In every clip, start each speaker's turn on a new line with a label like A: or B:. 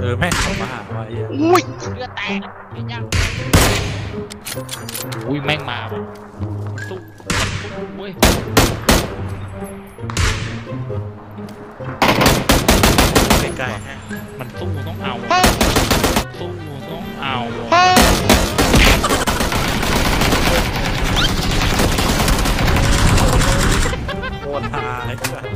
A: แม่งเข้ามาหาว่า
B: อุ้ยเลือดแตกเห็นยังอุ้ยแม่งมาว่ะตู้เว้ย
A: ใกล้ๆฮะ
B: มันตู้ต้องเอาตู้ต้องเอา
A: โคตรฮาเลยเพื่อน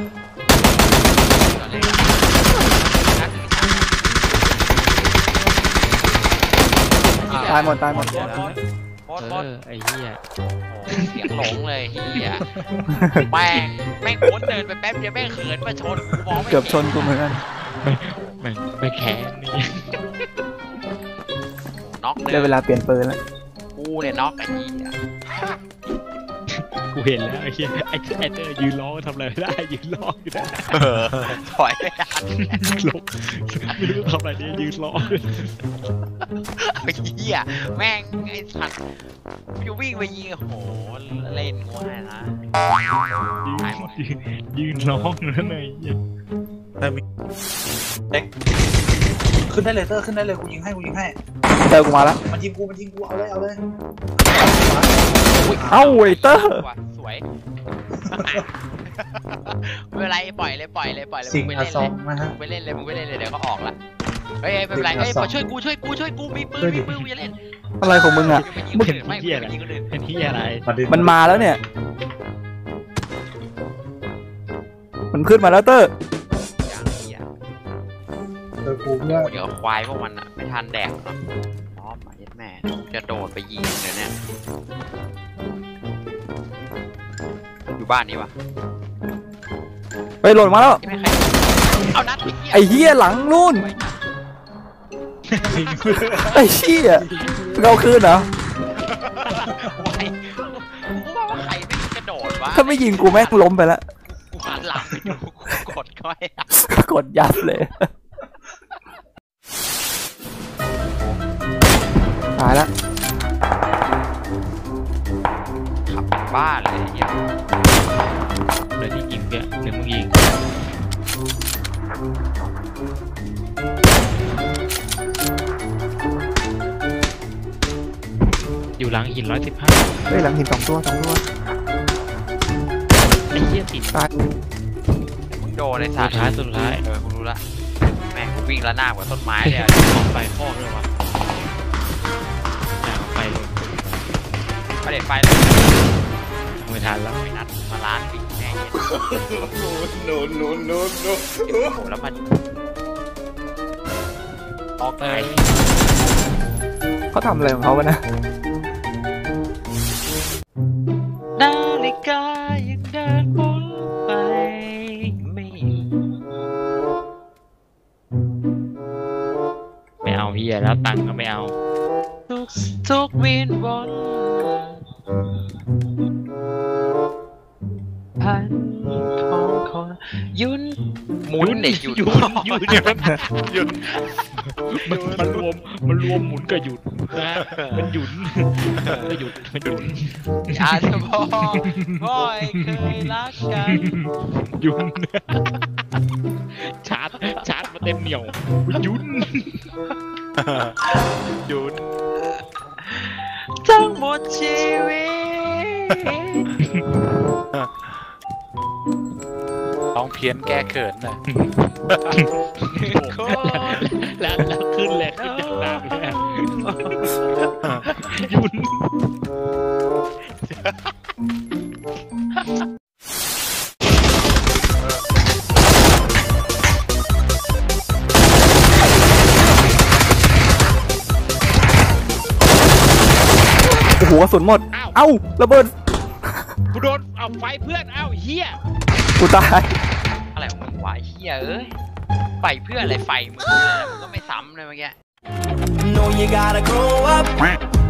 C: ตายหมดไอ้
B: เหี้ยเสียงหลงเลยเหี้ยแม่งโคตรเดินไปแป๊บเดียวแม่งเขินมาชนมองไม่
C: เกือบชนกูเหมือนกัน
B: ไม่แข็งนี่น็อก
C: ได้เวลาเปลี่ยนปืนแล้ว
B: กูเนี่ยน็อกไอ้เหี้ย
D: กูเห็นแล้วไอ้เหี้ยไอ้เตอร์ยืนร้องทำอะไรไม่ได้ยืนร้องอยู่นะ
B: ถอยไม่ได้
D: ลงไม่รู้ทำอะไรดียืนร้อง
B: ไอ้เหี้ยแม่งไอ้สัตว์จะวิ่งไปยิงโอ้โหเล่นง่ายนะ
D: ยืนร้องนั่นไง
A: แต่มีขึ้นได้เลยเตอร์ขึ้นได้เลยกูยิงให้
C: เตอร์กูมาแล้ว
A: มันยิงกูเอาเลย
C: เอ้าไอ้เตอร์
B: สวยไม่เป็นไรปล่อยเลย
A: สิงอซองนะฮะ
B: มึงไปเล่นเลยเดี๋ยวก็ออกละเฮ้ยไม่เป็นไรเฮ้ยช่วยกูมีปืนกูจะเล่น
C: อะไรของมึงอ่ะ
D: มึงเป็นที่อะไร
C: มันมาแล้วเนี่ยมันขึ้นมาแล้วเตอร์
B: เดี๋ยวควายพวกมันอ่ะไม่ทันแดกเนาะน้อมมาเย็ดแม่จะโดดไปยิงเดี๋ยวนี้อยู่บ้านนี้วะ
C: ไปหล่นมาแล้ว
B: เอานัด
C: ไอ้เหี้ยหลังนู่นไอ้เหี้ยเราคืนเหรอ
B: กูว่าใครไม่กระโดดวะ
C: ถ้าไม่ยิงกูแม่งล้มไปแล้ว
B: กูหันหลังไปดูกดก้อย
C: กดยับเลยตายแล้ว
B: ขับบ้านเลยเนี่ย
D: เลยที่ยิงเนี่ยหรือมึงยิงอยู่หลังหิน115
C: เฮ้ยหลังหิน2 ตัว
D: ไอ้เหี้ยติด
C: ตาย
B: มึงโดนในสุดท้ายกูรู้ละแม่งกูวิ่งละหน้ากว่าต้นไม้เลยอ่ะ
D: ไปข้อเลยวะไปเลย
B: ประเด็นไปเลย
D: ไม่ทันแล้ว
B: ไม่นัดมาล้านปีแน่โน้แล้วมันออกเลย
C: เขาทำอะไรของเขาวะนะ
B: นาฬิกายังเดินวนไป
D: ไม่เอาเฮียแล้วตังค์ก็ไม่เอา
B: ทุกวินวนพันของคนยุนหมุนเด็กหยุด
D: เนี่ยมันรวมหมุนกับหยุดนะมันหยุดก็หยุดมันหยุด
B: อาจจะบอกพ่อยเคยรักกัน
D: หยุดชาร์จมาเต็มเหนียวหยุด
B: ทั้งหมดชีวิต
A: ต้องเพี้ยนแก้เขินนะ
D: แล้วขึ้นจากน้ำแล้วยุ่น
C: โอ้โหกระสุนหมดเอ้าระเบิด
D: กูโดนเอาไฟเพื่อนเอ้าเฮีย
C: กูตาย
B: อะไรของมึงวะเฮียเอ้ยไฟเพื่อนอะไรไฟมึงก็ไม่ซ้ำเลยเมื่อกี้